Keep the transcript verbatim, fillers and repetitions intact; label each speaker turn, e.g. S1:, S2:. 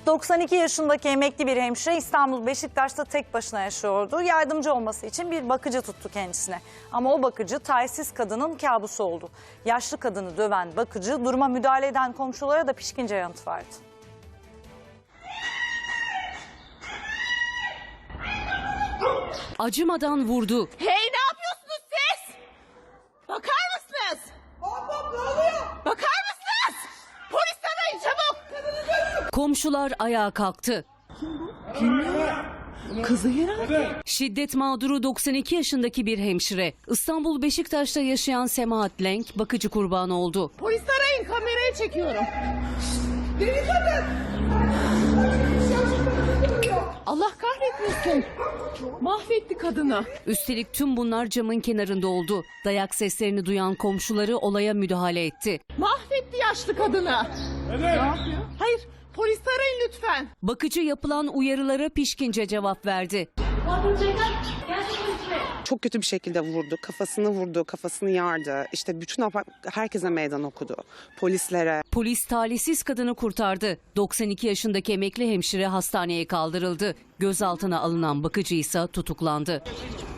S1: doksan iki yaşındaki emekli bir hemşire İstanbul Beşiktaş'ta tek başına yaşıyordu. Yardımcı olması için bir bakıcı tuttu kendisine. Ama o bakıcı talihsiz kadının kabusu oldu. Yaşlı kadını döven bakıcı duruma müdahale eden komşulara da pişkince yanıt verdi.
S2: Acımadan vurdu.
S3: Hey, ne yapıyorsunuz siz? Bakar mısınız? Hop hop, ne oluyor? Bakar mısınız? Polis arayın çabuk.
S2: Komşular ayağa kalktı.
S3: Kızı herhalde.
S2: Şiddet mağduru doksan iki yaşındaki bir hemşire. İstanbul Beşiktaş'ta yaşayan Semahat Lenk bakıcı kurbanı oldu.
S3: Polis arayın, kameraya çekiyorum. Deli kadın. Allah kahretmesin. Mahvetti kadını.
S2: Üstelik tüm bunlar camın kenarında oldu. Dayak seslerini duyan komşuları olaya müdahale etti.
S3: Mahvetti yaşlı kadını. Evet. Ne yapıyor? Hayır, polis arayın lütfen.
S2: Bakıcı yapılan uyarılara pişkince cevap verdi.
S4: Çok kötü bir şekilde vurdu, kafasını vurdu, kafasını yardı. İşte bütün apart- herkese meydan okudu, polislere.
S2: Polis talihsiz kadını kurtardı. doksan iki yaşındaki emekli hemşire hastaneye kaldırıldı. Gözaltına alınan bakıcı ise tutuklandı.